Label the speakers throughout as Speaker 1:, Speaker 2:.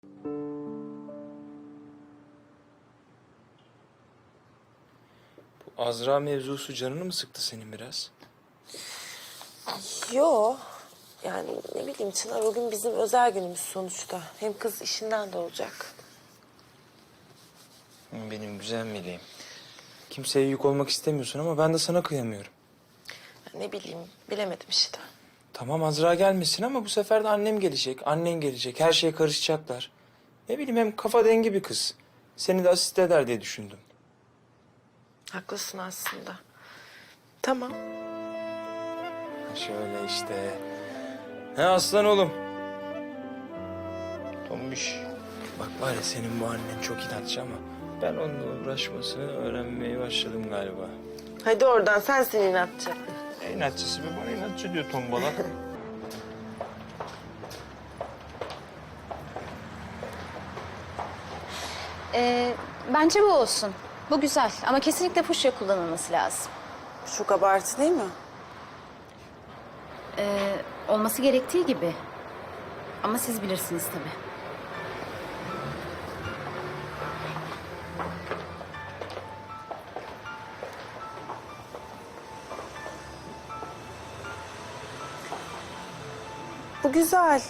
Speaker 1: Bu Azra mevzusu canını mı sıktı senin biraz?
Speaker 2: Yo. Yani ne bileyim Çınar, o gün bizim özel günümüz sonuçta. Hem kız işinden de olacak.
Speaker 1: Benim güzel meleğim. Kimseye yük olmak istemiyorsun ama ben de sana kıyamıyorum.
Speaker 2: Ya ne bileyim, bilemedim işte.
Speaker 1: Tamam Azra gelmesin ama bu sefer de annem gelecek, annen gelecek. Her şeye karışacaklar. Ne bileyim hem kafa dengi bir kız. Seni de asist eder diye düşündüm.
Speaker 2: Haklısın aslında. Tamam.
Speaker 1: Şöyle işte. He aslan oğlum. Tombiş. Bak var ya senin bu annen çok inatçı ama ben onunla uğraşmasını öğrenmeye başladım galiba.
Speaker 2: Hadi oradan, sensin inatçı.
Speaker 1: İnatçısı be, bana inatçı diyor tombala.
Speaker 3: Bence bu olsun. Bu güzel ama kesinlikle fuşya kullanılması lazım.
Speaker 2: Çok abartı değil mi?
Speaker 3: Olması gerektiği gibi. Ama siz bilirsiniz tabii.
Speaker 2: Bu güzel.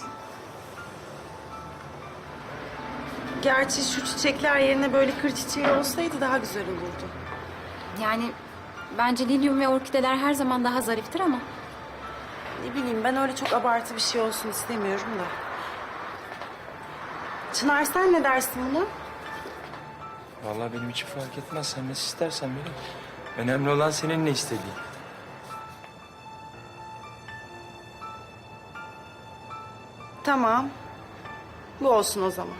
Speaker 2: Gerçi şu çiçekler yerine böyle kır çiçeği olsaydı daha güzel olurdu.
Speaker 3: Yani bence lilyum ve orkideler her zaman daha zariftir ama...
Speaker 2: Ne bileyim, ben öyle çok abartı bir şey olsun istemiyorum da. Çınar, sen ne dersin buna?
Speaker 1: Vallahi benim için fark etmez. Sen nasıl istersen benim. Önemli olan senin ne istediğin.
Speaker 2: Tamam. Bu olsun o zaman.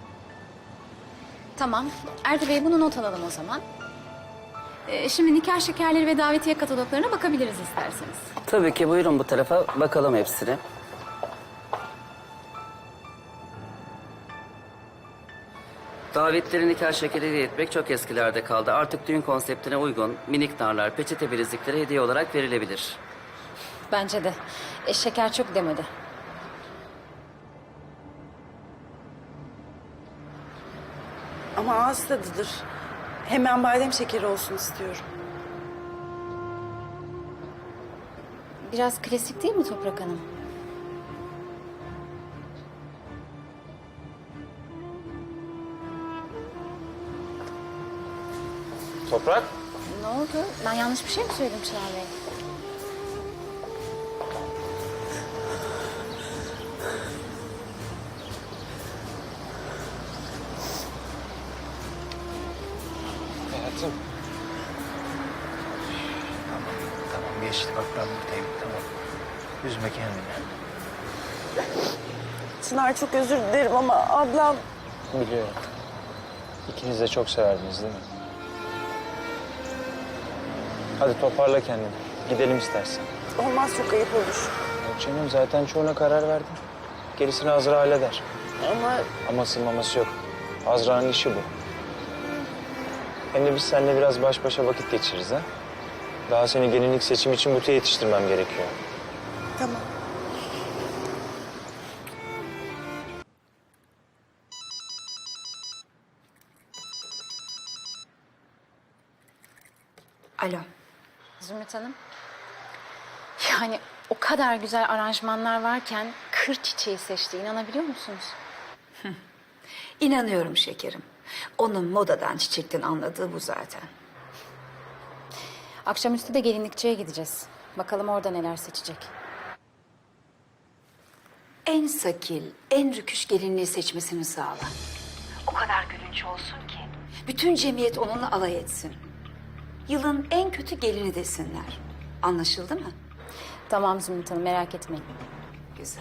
Speaker 3: Tamam. Erdi Bey, bunu not alalım o zaman. Şimdi nikah şekerleri ve davetiye kataloglarına bakabiliriz isterseniz.
Speaker 4: Tabii ki, buyurun bu tarafa bakalım hepsine. Davetleri nikah şekeriyle etmek çok eskilerde kaldı. Artık düğün konseptine uygun minik narlar, peçete bilezikleri hediye olarak verilebilir.
Speaker 3: Bence de. Şeker çok demedi.
Speaker 2: Ama ağız tadıdır. Hemen badem şekeri olsun istiyorum.
Speaker 3: Biraz klasik değil mi Toprak Hanım?
Speaker 1: Toprak.
Speaker 3: Ne oldu? Ben yanlış bir şey mi söyledim Çınar Bey?
Speaker 1: Hayatım. Tamam geçti. Bak ben buradayım. Tamam. Üzme kendini.
Speaker 2: Çınar, çok özür dilerim ama ablam...
Speaker 1: Biliyorum. İkiniz de çok severdiniz değil mi? Hadi toparla kendini. Gidelim istersen.
Speaker 2: Olmaz, çok ayıp olur.
Speaker 1: Yok canım, zaten çoğuna karar verdim. Gerisini Azra halleder.
Speaker 2: Ama
Speaker 1: Aması maması yok. Azra'nın işi bu. Hem de biz seninle biraz baş başa vakit geçiririz ha. Daha seni gelinlik seçimi için butiğe yetiştirmem gerekiyor.
Speaker 2: tamam.
Speaker 3: Alo. Zümrüt Hanım. Yani o kadar güzel aranjmanlar varken kır çiçeği seçti. İnanabiliyor musunuz?
Speaker 5: İnanıyorum şekerim. Onun modadan, çiçekten anladığı bu zaten.
Speaker 3: Akşamüstü de gelinlikçiye gideceğiz. Bakalım orada neler seçecek.
Speaker 5: En sakil, en rüküş gelinliği seçmesini sağla. O kadar gülünç olsun ki. Bütün cemiyet onunla alay etsin. Yılın en kötü gelini desinler. Anlaşıldı mı?
Speaker 3: Tamam Zümrüt Hanım, merak etmeyin.
Speaker 5: Güzel.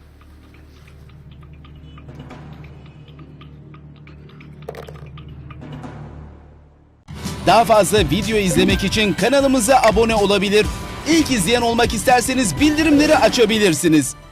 Speaker 6: Daha fazla video izlemek için kanalımıza abone olabilir. İlk izleyen olmak isterseniz bildirimleri açabilirsiniz.